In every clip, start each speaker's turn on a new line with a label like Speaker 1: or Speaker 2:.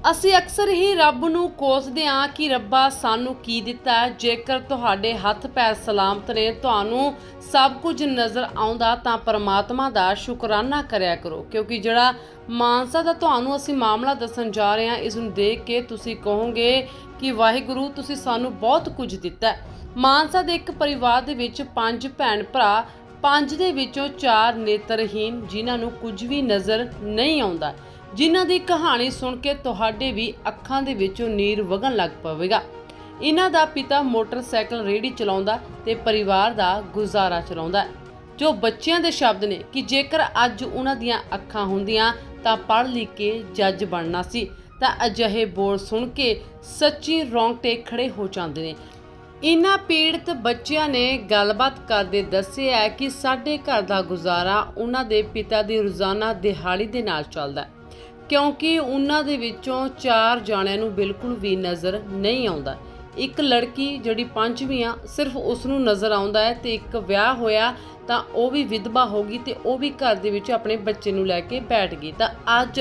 Speaker 1: ਅਸੀਂ ਅਕਸਰ ਹੀ ਰੱਬ ਨੂੰ ਕੋਸਦੇ ਹਾਂ ਕਿ ਰੱਬਾ ਸਾਨੂੰ ਕੀ ਦਿੱਤਾ ਹੈ। ਜੇਕਰ ਤੁਹਾਡੇ ਹੱਥ ਪੈਰ ਸਲਾਮਤ ਨੇ, ਤੁਹਾਨੂੰ ਸਭ ਕੁਝ ਨਜ਼ਰ ਆਉਂਦਾ ਤਾਂ ਪਰਮਾਤਮਾ ਦਾ ਸ਼ੁਕਰਾਨਾ ਕਰਿਆ ਕਰੋ, ਕਿਉਂਕਿ ਜਿਹੜਾ ਮਾਨਸਾ ਦਾ ਤੁਹਾਨੂੰ ਅਸੀਂ ਮਾਮਲਾ ਦੱਸਣ ਜਾ ਰਹੇ ਹਾਂ, ਇਸ ਨੂੰ ਦੇਖ ਕੇ ਤੁਸੀਂ ਕਹੋਗੇ ਕਿ ਵਾਹਿਗੁਰੂ ਤੁਸੀਂ ਸਾਨੂੰ ਬਹੁਤ ਕੁਝ ਦਿੱਤਾ ਹੈ। ਮਾਨਸਾ ਦੇ ਇੱਕ ਪਰਿਵਾਰ ਦੇ ਵਿੱਚ 5 ਭੈਣ ਭਰਾ, 5 ਦੇ ਵਿੱਚੋਂ 4 ਨੇਤਰਹੀਨ, ਜਿਨ੍ਹਾਂ ਨੂੰ ਕੁਝ ਵੀ ਨਜ਼ਰ ਨਹੀਂ ਆਉਂਦਾ, ਜਿਨ੍ਹਾਂ ਦੀ ਕਹਾਣੀ ਸੁਣ ਕੇ ਤੁਹਾਡੇ ਵੀ ਅੱਖਾਂ ਦੇ ਵਿੱਚੋਂ ਨੀਰ ਵਗਣ ਲੱਗ ਪਵੇਗਾ। ਇਹਨਾਂ ਦਾ ਪਿਤਾ ਮੋਟਰਸਾਈਕਲ ਰੇਹੜੀ ਚਲਾਉਂਦਾ ਤੇ ਪਰਿਵਾਰ ਦਾ ਗੁਜ਼ਾਰਾ ਚਲਾਉਂਦਾ ਹੈ। ਜੋ ਬੱਚਿਆਂ ਦੇ ਸ਼ਬਦ ਨੇ ਕਿ ਜੇਕਰ ਅੱਜ ਉਹਨਾਂ ਦੀਆਂ ਅੱਖਾਂ ਹੁੰਦੀਆਂ ਤਾਂ ਪੜ੍ਹ ਲਿਖ ਕੇ ਜੱਜ ਬਣਨਾ ਸੀ, ਤਾਂ ਅਜਿਹੇ ਬੋਲ ਸੁਣ ਕੇ ਸੱਚੀ ਰੌਂਗਟੇ ਖੜੇ ਹੋ ਜਾਂਦੇ ਨੇ। ਇਨ੍ਹਾਂ ਪੀੜਤ ਬੱਚਿਆਂ ਨੇ ਗੱਲਬਾਤ ਕਰਦੇ ਦੱਸਿਆ ਹੈ ਕਿ ਸਾਡੇ ਘਰ ਦਾ ਗੁਜ਼ਾਰਾ ਉਹਨਾਂ ਦੇ ਪਿਤਾ ਦੀ ਰੋਜ਼ਾਨਾ ਦਿਹਾੜੀ ਦੇ ਨਾਲ ਚੱਲਦਾ ਹੈ, ਕਿਉਂਕਿ ਉਹਨਾਂ ਦੇ ਵਿੱਚੋਂ 4 ਜਾਣਿਆਂ ਨੂੰ ਬਿਲਕੁਲ ਵੀ ਨਜ਼ਰ ਨਹੀਂ ਆਉਂਦਾ। ਇੱਕ ਲੜਕੀ ਜਿਹੜੀ 5ਵੀਂ ਆ, ਸਿਰਫ ਉਸ ਨੂੰ ਨਜ਼ਰ ਆਉਂਦਾ ਹੈ, ਤੇ ਇੱਕ ਵਿਆਹ ਹੋਇਆ ਤਾਂ ਉਹ ਵੀ ਵਿਧਵਾ ਹੋ ਗਈ ਤੇ ਉਹ ਵੀ ਘਰ ਦੇ ਵਿੱਚ ਆਪਣੇ ਬੱਚੇ ਨੂੰ ਲੈ ਕੇ ਬੈਠ ਗਈ। ਤਾਂ ਅੱਜ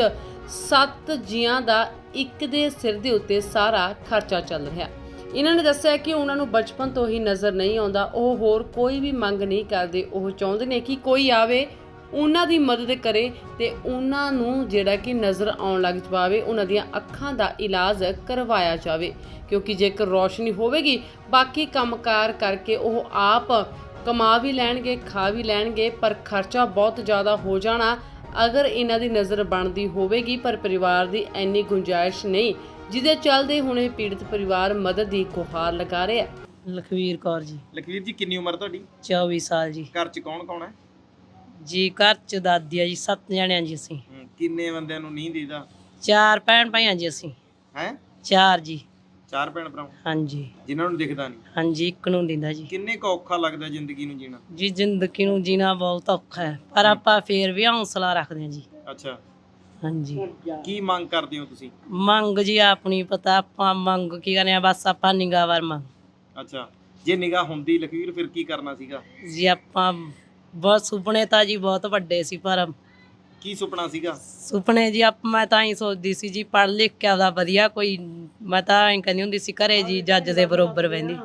Speaker 1: 7 ਜੀਆਂ ਦਾ ਇੱਕ ਦੇ ਸਿਰ ਦੇ ਉੱਤੇ ਸਾਰਾ ਖਰਚਾ ਚੱਲ ਰਿਹਾ। ਇਹਨਾਂ ਨੇ ਦੱਸਿਆ ਕਿ ਉਹਨਾਂ ਨੂੰ ਬਚਪਨ ਤੋਂ ਹੀ ਨਜ਼ਰ ਨਹੀਂ ਆਉਂਦਾ। ਉਹ ਹੋਰ ਕੋਈ ਵੀ ਮੰਗ ਨਹੀਂ ਕਰਦੇ, ਉਹ ਚਾਹੁੰਦੇ ਨੇ ਕਿ ਕੋਈ ਆਵੇ, ਉਹਨਾਂ ਦੀ ਮਦਦ ਕਰੇ ਤੇ ਉਹਨਾਂ ਨੂੰ ਜਿਹੜਾ ਕਿ ਨਜ਼ਰ ਆਉਣ ਲੱਗ ਜਾਵੇ, ਉਹਨਾਂ ਦੀਆਂ ਅੱਖਾਂ ਦਾ ਇਲਾਜ ਕਰਵਾਇਆ ਜਾਵੇ, ਕਿਉਂਕਿ ਜੇਕਰ ਰੌਸ਼ਨੀ ਹੋਵੇਗੀ, ਬਾਕੀ ਕੰਮਕਾਰ ਕਰਕੇ ਉਹ ਆਪ ਕਮਾ ਵੀ ਲੈਣਗੇ, ਖਾ ਵੀ ਲੈਣਗੇ, ਪਰ ਖਰਚਾ ਬਹੁਤ ਜ਼ਿਆਦਾ ਹੋ ਜਾਣਾ ਅਗਰ ਇਹਨਾਂ ਦੀ ਨਜ਼ਰ ਬਣਦੀ ਹੋਵੇਗੀ। ਪਰ ਪਰਿਵਾਰ ਦੀ ਇੰਨੀ ਗੁੰਜਾਇਸ਼ ਨਹੀਂ, ਜਿਹਦੇ ਚੱਲਦੇ ਹੁਣ ਇਹ ਪੀੜਤ ਪਰਿਵਾਰ ਮਦਦ ਦੀ ਗੁਹਾਰ ਲਗਾ ਰਿਹਾ।
Speaker 2: ਲਖਵੀਰ ਕੌਰ ਜੀ।
Speaker 3: ਲਖਵੀਰ ਜੀ, ਕਿੰਨੀ ਉਮਰ ਤੁਹਾਡੀ?
Speaker 2: 24 ਸਾਲ ਜੀ।
Speaker 3: ਘਰ 'ਚ ਕੌਣ ਕੌਣ ਹੈ
Speaker 2: ਜੀ ਘਰ ਚ ਦਾਦੀ ਆ ਜੀ, 7 ਜਣਿਆਂ ਜੀ ਅਸੀਂ।
Speaker 3: ਕਿੰਨੇ ਬੰਦਿਆਂ ਨੂੰ ਨਹੀਂ ਦੀਦਾ?
Speaker 2: 4 ਭੈਣ ਭਾਈਆਂ ਜੀ ਅਸੀਂ।
Speaker 3: ਹੈ
Speaker 2: 4 ਜੀ।
Speaker 3: 4 ਭੈਣ ਭਰਾ
Speaker 2: ਹਾਂਜੀ
Speaker 3: ਜਿਨ੍ਹਾਂ ਨੂੰ ਦਿਖਦਾ ਨਹੀਂ?
Speaker 2: ਹਾਂਜੀ, ਇੱਕ ਨੂੰ ਦਿੰਦਾ ਜੀ।
Speaker 3: ਕਿੰਨੇ ਕੁ ਔਖਾ ਲੱਗਦਾ ਜ਼ਿੰਦਗੀ ਨੂੰ ਜੀਣਾ?
Speaker 2: ਜੀ ਜ਼ਿੰਦਗੀ ਨੂੰ ਜੀਣਾ ਬਹੁਤ ਔਖਾ ਹੈ, ਪਰ ਆਪਾਂ ਫੇਰ ਵੀ ਹੌਸਲਾ ਰੱਖਦੇ ਹਾਂ ਜੀ।
Speaker 3: ਅੱਛਾ,
Speaker 2: ਹਾਂਜੀ।
Speaker 3: ਕੀ ਮੰਗ ਕਰਦੇ ਹੋ ਤੁਸੀਂ?
Speaker 2: ਮੰਗ ਜੀ ਆਪਣੀ ਪਤਾ, ਆਪਾਂ ਮੰਗ ਕੀ ਕਰਨੇ ਆ, ਬਸ ਆਪਾਂ ਨਿਗਾਹ ਵਰ ਮੰਗ।
Speaker 3: ਅੱਛਾ, ਜੇ ਨਿਗਾਹ ਹੁੰਦੀ ਲਖਵੀਰ ਫਿਰ ਕੀ ਕਰਨਾ ਸੀਗਾ?
Speaker 2: ਜੀ ਆਪਾਂ ਬਹੁਤ ਸੁਪਨੇ ਤਾਂ ਜੀ ਬਹੁਤ ਵੱਡੇ ਸੀ, ਪਰ
Speaker 3: ਕੀ ਸੁਪਨਾ ਸੀਗਾ?
Speaker 2: ਸੁਪਨੇ ਜੀ ਮੈਂ ਤਾਂ ਹੀ ਸੋਚਦੀ ਸੀ ਜੀ, ਪੜ੍ਹ ਲਿਖ ਕੇ ਆਪਦਾ ਵਧੀਆ ਕੋਈ, ਮੈਂ ਤਾਂ ਐਂ ਕਹਿੰਦੀ ਹੁੰਦੀ ਸੀ ਘਰੇ ਜੀ ਜੱਜ ਦੇ ਬਰੋਬਰ ਬਹਿੰਦੀ।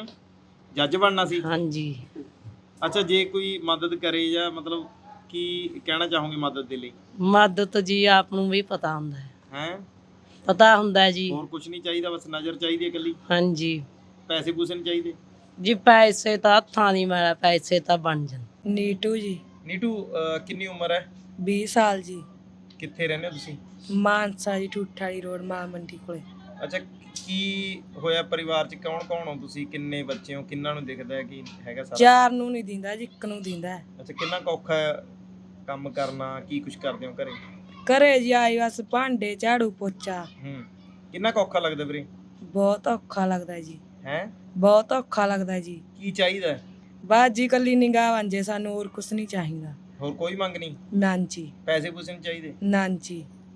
Speaker 3: ਜੱਜ ਬਣਨਾ ਸੀ?
Speaker 2: ਹਾਂਜੀ।
Speaker 3: ਅੱਛਾ, ਜੇ ਕੋਈ ਮਦਦ ਕਰੇ ਜਾਂ ਮਤਲਬ ਕੀ ਕਹਿਣਾ ਚਾਹੋਗੇ ਮਦਦ ਦੇ ਲਈ?
Speaker 2: ਮਦਦ ਜੀ ਆਪ ਨੂੰ ਵੀ ਪਤਾ ਹੁੰਦਾ ਹੈ।
Speaker 3: ਹੈ
Speaker 2: ਪਤਾ ਹੁੰਦਾ ਹੈ ਜੀ।
Speaker 3: ਹੋਰ ਕੁਝ ਨਹੀਂ ਚਾਹੀਦਾ, ਬਸ ਨਜ਼ਰ ਚਾਹੀਦੀ ਹੈ ਇਕੱਲੀ?
Speaker 2: ਹਾਂਜੀ।
Speaker 3: ਪੈਸੇ ਪੂਸੇ ਨਹੀਂ ਚਾਹੀਦੇ?
Speaker 2: ਜੀ ਪੈਸੇ ਤਾਂ ਹੱਥਾਂ ਦੀ ਮਾਰਾ, ਪੈਸੇ ਤਾਂ ਬਣ ਜਾਣ।
Speaker 4: ਨੀਟੂ ਜੀ।
Speaker 3: ਨੀਟੂ, ਕਿੰਨੀ ਉਮਰ ਹੈ?
Speaker 4: 20 ਸਾਲ ਜੀ।
Speaker 3: ਕਿੱਥੇ ਰਹਿੰਦੇ ਹੋ ਤੁਸੀਂ?
Speaker 4: ਮਾਨਸਾ ਜੀ, ਠੂਠ ਵਾਲੀ ਰੋਡ, ਮਾਂ ਮੰਡੀ ਕੋਲੇ।
Speaker 3: ਅੱਛਾ, ਕੀ ਹੋਇਆ ਪਰਿਵਾਰ ਚ? ਕੌਣ ਕੌਣ ਹੋ ਤੁਸੀਂ? ਕਿੰਨੇ ਬੱਚੇ ਹੋ? ਕਿੰਨਾਂ ਨੂੰ ਦਿਖਦਾ ਹੈ ਕਿ ਹੈਗਾ ਸਾਰਾ?
Speaker 4: 4 ਨੂੰ ਨਹੀਂ ਦਿੰਦਾ ਜੀ, 1 ਨੂੰ ਦਿੰਦਾ।
Speaker 3: ਅੱਛਾ, ਕਿੰਨਾ ਕੁ ਔਖਾ ਹੈ ਕੰਮ ਕਰਨਾ? ਕੀ ਕੁਝ ਕਰਦੇ ਹੋ ਘਰੇ?
Speaker 4: ਘਰੇ ਜੀ ਆਈ ਬਸ ਭਾਂਡੇ, ਝਾੜੂ, ਪੋਚਾ।
Speaker 3: ਕਿੰਨਾ ਕੁ ਔਖਾ ਲੱਗਦਾ ਵੀਰੇ?
Speaker 4: ਬਹੁਤ ਔਖਾ ਲੱਗਦਾ ਜੀ।
Speaker 3: ਹੈ
Speaker 4: ਬਹੁਤ ਔਖਾ ਲੱਗਦਾ ਜੀ।
Speaker 3: ਕੀ ਚਾਹੀਦਾ?
Speaker 4: ਬਸ ਜੀ ਕੱਲੀ ਨਿਗਾਹ ਬਣ ਜੇ ਸਾਨੂੰ, ਹੋਰ ਕੁਛ ਨਹੀਂ ਚਾਹੀਦਾ।
Speaker 3: ਹੋਰ ਕੋਈ ਮੰਗ ਨਹੀਂ?
Speaker 4: ਨਾਂਜੀ।
Speaker 3: ਪੈਸੇ ਪੂਸੇ ਨਹੀਂ ਚਾਹੀਦੇ?
Speaker 4: ਨਾਂਜੀ।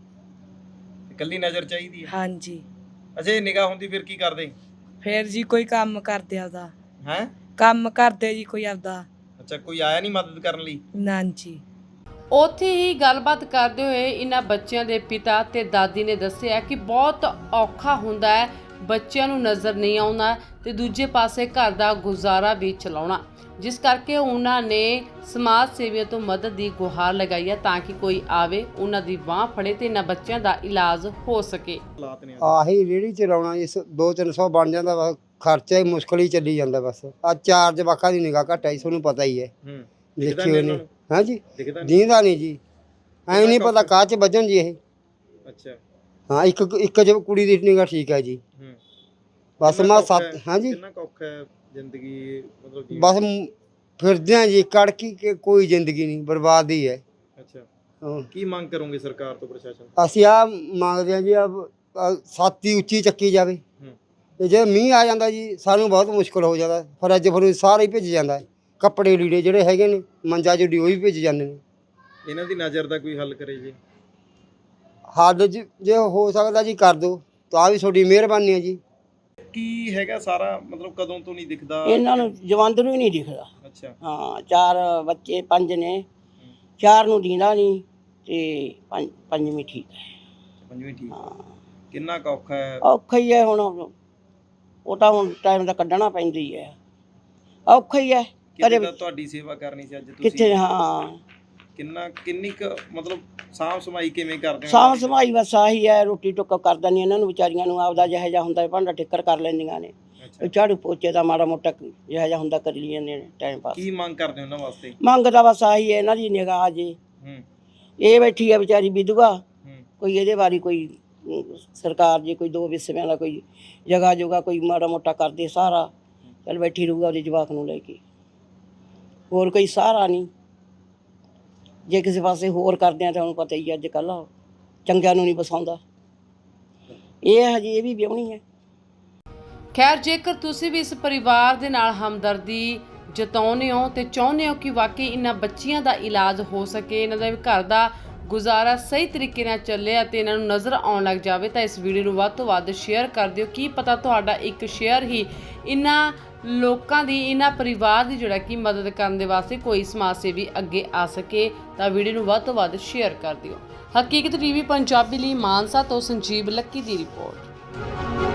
Speaker 3: ਇਕੱਲੀ ਨਜ਼ਰ ਚਾਹੀਦੀ ਹੈ?
Speaker 4: ਹਾਂਜੀ।
Speaker 3: ਅੱਛਾ, ਇਹ ਨਿਗਾਹ ਹੁੰਦੀ ਫਿਰ ਕੀ ਕਰਦੇ?
Speaker 4: ਫੇਰ ਜੀ ਕੋਈ ਕੰਮ ਕਰਦੇ ਆਪਦਾ।
Speaker 3: ਹੈ
Speaker 4: ਕੰਮ ਕਰਦੇ ਜੀ ਕੋਈ ਆਪਦਾ।
Speaker 3: ਅੱਛਾ, ਕੋਈ ਆਇਆ ਨਹੀਂ ਮਦਦ ਕਰਨ ਲਈ?
Speaker 4: ਨਾਂਜੀ।
Speaker 1: ਉੱਥੇ ਹੀ ਗੱਲਬਾਤ ਕਰਦੇ ਹੋਏ ਇਹਨਾਂ ਬੱਚਿਆਂ ਦੇ ਪਿਤਾ ਤੇ ਦਾਦੀ ਨੇ ਦੱਸਿਆ ਕਿ ਬਹੁਤ ਔਖਾ ਹੁੰਦਾ ਹੈ ਬੱਚਿਆਂ ਨੂੰ ਨਜ਼ਰ ਨਹੀਂ ਆਉਣਾ ਤੇ ਦੂਜੇ ਪਾਸੇ ਘਰ ਦਾ ਗੁਜ਼ਾਰਾ ਵੀ ਚਲਾਉਣਾ, ਜਿਸ ਕਰਕੇ ਉਹਨਾਂ ਨੇ ਸਮਾਜ ਸੇਵੀਆਂ ਤੋਂ ਮਦਦ ਦੀ ਗੁਹਾਰ ਲਗਾਈ ਹੈ ਤਾਂ ਕਿ ਕੋਈ ਆਵੇ, ਉਹਨਾਂ ਦੀ ਬਾਂਹ ਫੜੇ ਤੇ ਇਹਨਾਂ ਬੱਚਿਆਂ ਦਾ ਇਲਾਜ ਹੋ ਸਕੇ।
Speaker 5: ਆਹੀ ਰੇਹੜੀ ਚਲਾਉਣਾ ਜੀ, 200-300 ਬਣ ਜਾਂਦਾ, ਬਸ ਖਰਚਾ ਹੀ ਮੁਸ਼ਕਲ ਹੀ ਚੱਲੀ ਜਾਂਦਾ। ਬਸ ਆ 4 ਜਵਾਕਾਂ ਦੀ ਨਿਗਾਹ ਘੱਟ ਆਈ, ਤੁਹਾਨੂੰ ਪਤਾ ਹੀ ਹੈ। ਦੇਖਿਓ ਨਹੀਂ? ਹਾਂਜੀ, ਦੀਂਦਾ ਨਹੀਂ ਜੀ। ਐਂ ਨਹੀਂ ਪਤਾ ਕਾਹ 'ਚ ਵੱਜਣ ਜੀ ਇਹ।
Speaker 3: ਅੱਛਾ,
Speaker 5: ਹਾਂ, ਇੱਕ ਜਬ ਕੁੜੀ ਦੀ ਨਿਗਾਹ ਠੀਕ ਹੈ ਜੀ। ਬਸ ਮੈਂ 7। ਹਾਂਜੀ,
Speaker 3: ਕਿੰਨਾ ਕੁ ਔਖਾ ਹੈ ਜ਼ਿੰਦਗੀ, ਮਤਲਬ
Speaker 5: ਬਸ ਫਿਰਦੇ ਆ ਜੀ, ਕੜਕੀ ਕੇ ਕੋਈ ਜ਼ਿੰਦਗੀ ਨਹੀਂ, ਬਰਬਾਦੀ ਹੈ।
Speaker 3: ਅੱਛਾ, ਕੀ ਮੰਗ ਕਰੋਗੇ ਸਰਕਾਰ ਤੋਂ, ਪ੍ਰਸ਼ਾਸਨ?
Speaker 5: ਅਸੀਂ ਆ ਮੰਗਦੇ ਹਾਂ ਜੀ, ਛਾਤੀ ਉੱਚੀ ਚੱਕੀ ਜਾਵੇ। ਤੇ ਜੇ ਮੀਂਹ ਆ ਜਾਂਦਾ ਜੀ, ਸਾਨੂੰ ਬਹੁਤ ਮੁਸ਼ਕਲ ਹੋ ਜਾਂਦਾ। ਫਰਿੱਜ ਫਰੂਜ ਸਾਰਾ ਹੀ ਭਿੱਜ ਜਾਂਦਾ, ਕੱਪੜੇ ਲੀੜੇ ਜਿਹੜੇ ਹੈਗੇ ਨੇ ਮੰਜਾ ਜੁੜੀ ਉਹ ਵੀ ਭਿੱਜ ਜਾਂਦੇ ਨੇ।
Speaker 3: ਇਹਨਾਂ ਦੀ ਨਜ਼ਰ ਦਾ ਕੋਈ ਹੱਲ ਕਰੇ ਜੀ?
Speaker 5: ਹੱਲ ਜੇ ਹੋ ਸਕਦਾ ਜੀ ਕਰ ਦਿਓ, ਤਾਂ ਵੀ ਤੁਹਾਡੀ ਮਿਹਰਬਾਨੀ ਹੈ ਜੀ।
Speaker 3: ਕੀ ਹੈਗਾ ਸਾਰਾ, ਮਤਲਬ ਕਦੋਂ ਤੋਂ ਨਹੀਂ ਦਿਖਦਾ
Speaker 6: ਇਹਨਾਂ ਨੂੰ? ਜਵੰਦ ਨੂੰ ਹੀ ਨਹੀਂ ਦਿਖਦਾ।
Speaker 3: ਅੱਛਾ।
Speaker 6: ਹਾਂ, 4 ਬੱਚੇ, 5 ਨੇ, 4 ਨੂੰ ਦੀਂਦਾ ਨਹੀਂ ਤੇ ਪੰਜਵੀਂ ਠੀਕ ਹੈ।
Speaker 3: ਪੰਜਵੀਂ ਠੀਕ।
Speaker 6: ਹਾਂ।
Speaker 3: ਕਿੰਨਾ ਕੁ ਔਖਾ ਹੈ?
Speaker 6: ਔਖਾ ਹੀ ਹੈ ਹੁਣ, ਉਹ ਤਾਂ ਹੁਣ ਟਾਈਮ ਦਾ ਕੱਢਣਾ ਪੈਂਦੀ ਹੈ, ਔਖਾ ਹੀ ਹੈ।
Speaker 3: ਕਿਤੇ ਤਾਂ ਤੁਹਾਡੀ ਸੇਵਾ ਕਰਨੀ ਸੀ ਅੱਜ
Speaker 6: ਕਿੱਥੇ?
Speaker 3: ਤੁਸੀਂ
Speaker 6: ਹਾਂ,
Speaker 3: ਕਿੰਨੀ ਕੁ ਮਤਲਬ ਸਾਂਭ ਸੰਭਾਈ ਕਿਵੇਂ ਕਰਦੇ ਹੋ?
Speaker 6: ਸਾਂਭ ਸੰਭਾਈ ਬਸ ਆਹੀ ਹੈ, ਰੋਟੀ ਟੁੱਕ ਕਰ ਦਿੰਦੀ ਇਹਨਾਂ ਨੂੰ ਵਿਚਾਰੀਆਂ ਨੂੰ, ਆਪਦਾ ਜਿਹੋ ਜਿਹਾ ਹੁੰਦਾ ਭਾਂਡਾ ਠਿੱਕਰ ਕਰ ਲੈਂਦੀਆਂ ਨੇ,
Speaker 3: ਅੱਛਾ,
Speaker 6: ਝਾੜੂ ਪੋਚੇ ਦਾ ਮਾੜਾ ਮੋਟਾ ਜਿਹੋ ਜਿਹਾ ਹੁੰਦਾ ਕਰ ਲਈ ਜਾਂਦੇ ਨੇ ਟਾਈਮ ਪਾਸ।
Speaker 3: ਕੀ ਮੰਗ ਕਰਦੇ ਹੋ ਉਹਨਾਂ ਵਾਸਤੇ?
Speaker 6: ਮੰਗਦਾ ਬਸ ਆਹੀ ਹੈ ਇਹਨਾਂ ਦੀ ਨਿਗਾਹ ਜੀ,
Speaker 3: ਹੂੰ
Speaker 6: ਇਹ ਬੈਠੀ ਹੈ ਵਿਚਾਰੀ ਵਿਧਵਾ,
Speaker 3: ਹੂੰ
Speaker 6: ਕੋਈ ਇਹਦੇ ਬਾਰੇ ਕੋਈ ਸਰਕਾਰ ਜੇ ਕੋਈ 2 ਵਿਸਵਿਆਂ ਦਾ ਕੋਈ ਜਗ੍ਹਾ ਜੁਗਾ ਕੋਈ ਮਾੜਾ ਮੋਟਾ ਕਰਦੇ ਸਹਾਰਾ, ਚੱਲ ਬੈਠੀ ਰਹੂਗਾ ਉਹਦੇ ਜਵਾਕ ਨੂੰ ਲੈ ਕੇ, ਹੋਰ ਕੋਈ ਸਹਾਰਾ ਨਹੀਂ। ਜੇ ਕਿਸੇ ਪਾਸੇ ਹੋਰ ਕਰਦੇ ਆ ਤਾਂ ਉਹਨੂੰ ਪਤਾ ਹੀ ਅੱਜ ਕੱਲ੍ਹ ਚੰਗਿਆਂ ਨੂੰ ਨਹੀਂ ਬਸਾਉਂਦਾ, ਇਹ ਹਜੇ ਇਹ ਵੀ ਵਿਆਹੁਣੀ ਹੈ।
Speaker 1: ਖੈਰ, ਜੇਕਰ ਤੁਸੀਂ ਵੀ ਇਸ ਪਰਿਵਾਰ ਦੇ ਨਾਲ ਹਮਦਰਦੀ ਜਤਾਉਂਦੇ ਹੋ ਤੇ ਚਾਹੁੰਦੇ ਹੋ ਕਿ ਵਾਕਈ ਇਹਨਾਂ ਬੱਚੀਆਂ ਦਾ ਇਲਾਜ ਹੋ ਸਕੇ, ਇਹਨਾਂ ਦਾ ਵੀ ਘਰ ਦਾ ਗੁਜ਼ਾਰਾ ਸਹੀ ਤਰੀਕੇ ਨਾਲ ਚੱਲੇ ਅਤੇ ਇਹਨਾਂ ਨੂੰ ਨਜ਼ਰ ਆਉਣ ਲੱਗ ਜਾਵੇ, ਤਾਂ ਇਸ ਵੀਡੀਓ ਨੂੰ ਵੱਧ ਤੋਂ ਵੱਧ ਸ਼ੇਅਰ ਕਰ ਦਿਓ। ਕੀ ਪਤਾ ਤੁਹਾਡਾ ਇੱਕ ਸ਼ੇਅਰ ਹੀ ਇਹਨਾਂ ਲੋਕਾਂ ਦੀ, ਇਹਨਾਂ ਪਰਿਵਾਰ ਦੀ ਜਿਹੜਾ ਕਿ ਮਦਦ ਕਰਨ ਦੇ ਵਾਸਤੇ ਕੋਈ ਸਮਾਜ ਸੇਵੀ ਅੱਗੇ ਆ ਸਕੇ, ਤਾਂ ਵੀਡੀਓ ਨੂੰ ਵੱਧ ਤੋਂ ਵੱਧ ਸ਼ੇਅਰ ਕਰ ਦਿਓ। ਹਕੀਕਤ ਟੀਵੀ ਪੰਜਾਬੀ ਲਈ ਮਾਨਸਾ ਤੋਂ ਸੰਜੀਵ ਲੱਕੀ ਦੀ ਰਿਪੋਰਟ।